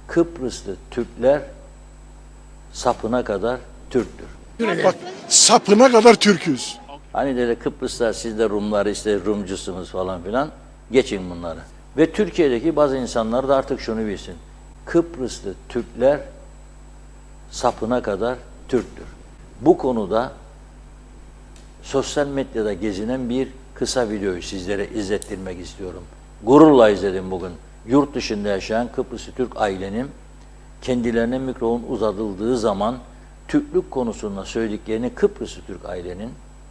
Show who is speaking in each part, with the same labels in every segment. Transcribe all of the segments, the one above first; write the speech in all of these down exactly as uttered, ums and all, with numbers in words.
Speaker 1: Kıbrıslı Türkler sapına kadar Türktür.
Speaker 2: Bak sapına kadar Türküz.
Speaker 1: Hani dedi Kıbrıslar siz de Rumlar işte Rumcusunuz falan filan. Geçin bunları. Ve Türkiye'deki bazı insanlar da artık şunu bilsin. Kıbrıslı Türkler sapına kadar Türktür. Bu konuda sosyal medyada gezinen bir kısa videoyu sizlere izlettirmek istiyorum. Gururla izledim bugün. Yurt dışında yaşayan Kıbrıslı Türk ailenin kendilerine mikrofon uzatıldığı zaman Türklük konusunda söylediklerini, Kıbrıslı Türk ailenin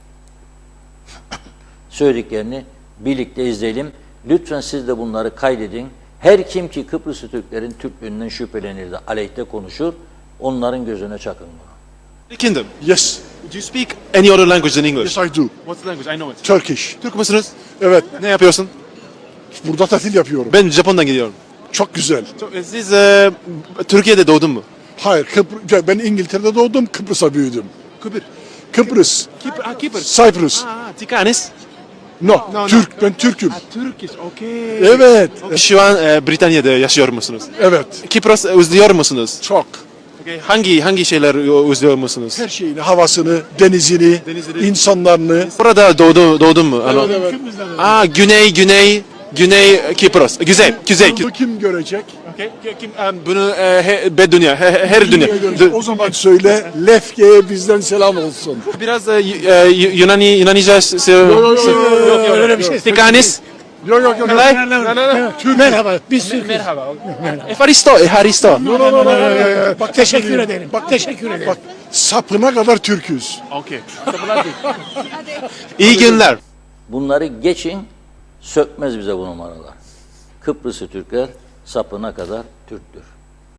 Speaker 1: söylediklerini birlikte izleyelim. Lütfen siz de bunları kaydedin. Her kim ki Kıbrıslı Türklerin Türklüğünden şüphelenir de aleyhte konuşur, onların gözüne çakın bunu.
Speaker 3: Kingdom.
Speaker 2: Yes,
Speaker 3: Do you speak any other language than English?
Speaker 2: yes I do.
Speaker 3: What's the language? I know it.
Speaker 2: Turkish.
Speaker 3: Türk müsünüz?
Speaker 2: Evet,
Speaker 3: Ne yapıyorsun?
Speaker 2: burada tatil yapıyorum.
Speaker 3: Ben Japon'dan gidiyorum.
Speaker 2: Çok güzel.
Speaker 3: Siz e, Türkiye'de doğdun mu?
Speaker 2: Hayır, Kıbr ben İngiltere'de doğdum, Kıbrıs'a büyüdüm.
Speaker 3: Kıbrıs.
Speaker 2: Kıbrıs,
Speaker 3: Kipr, ah, Kıbrıs.
Speaker 2: Cyprus.
Speaker 3: Ah, Tikanes.
Speaker 2: No,
Speaker 3: no.
Speaker 2: Türk, ben Türk'üm.
Speaker 3: Turkish, okay.
Speaker 2: Evet,
Speaker 3: Şu an e, Britanya'da yaşıyor musunuz?
Speaker 2: evet,
Speaker 3: Kıbrıs özlüyor musunuz?
Speaker 2: çok.
Speaker 3: Okay. Hangi hangi şeyler özlüyor musunuz?
Speaker 2: Her şeyini, havasını, denizini,
Speaker 3: Denizini.
Speaker 2: insanlarını.
Speaker 3: Burada doğdu, doğdun mu? Ano-
Speaker 2: Evet.
Speaker 3: Aa, Güney, Güney, Güney Kıbrıs. Güzel, güzel.
Speaker 2: Bunu kim görecek?
Speaker 3: Okay. Kim, um, bunu e, he, be dünya, he, he- her dünya.
Speaker 2: Görecek. O zaman söyle, Lefke'ye bizden selam olsun.
Speaker 3: Biraz e, y- e, y- Yunani, Yunanice... se-
Speaker 2: Yok, yok,
Speaker 3: se-
Speaker 2: yok, yok, yok,
Speaker 3: öyle bir şey. Tikanes.
Speaker 2: Yok yok yok.
Speaker 3: Kolay.
Speaker 4: Merhaba, biz Türk'üz.
Speaker 3: Merhaba. Efaristo, Efaristo.
Speaker 2: No, no, no, no, no, no.
Speaker 4: Bak teşekkür ederim. Bak teşekkür ederim.
Speaker 2: Bak sapına kadar Türküz.
Speaker 3: Okay. İyi günler.
Speaker 1: Bunları geçin, sökmez bize bu numaralar. Kıbrıslı Türkler sapına kadar Türktür.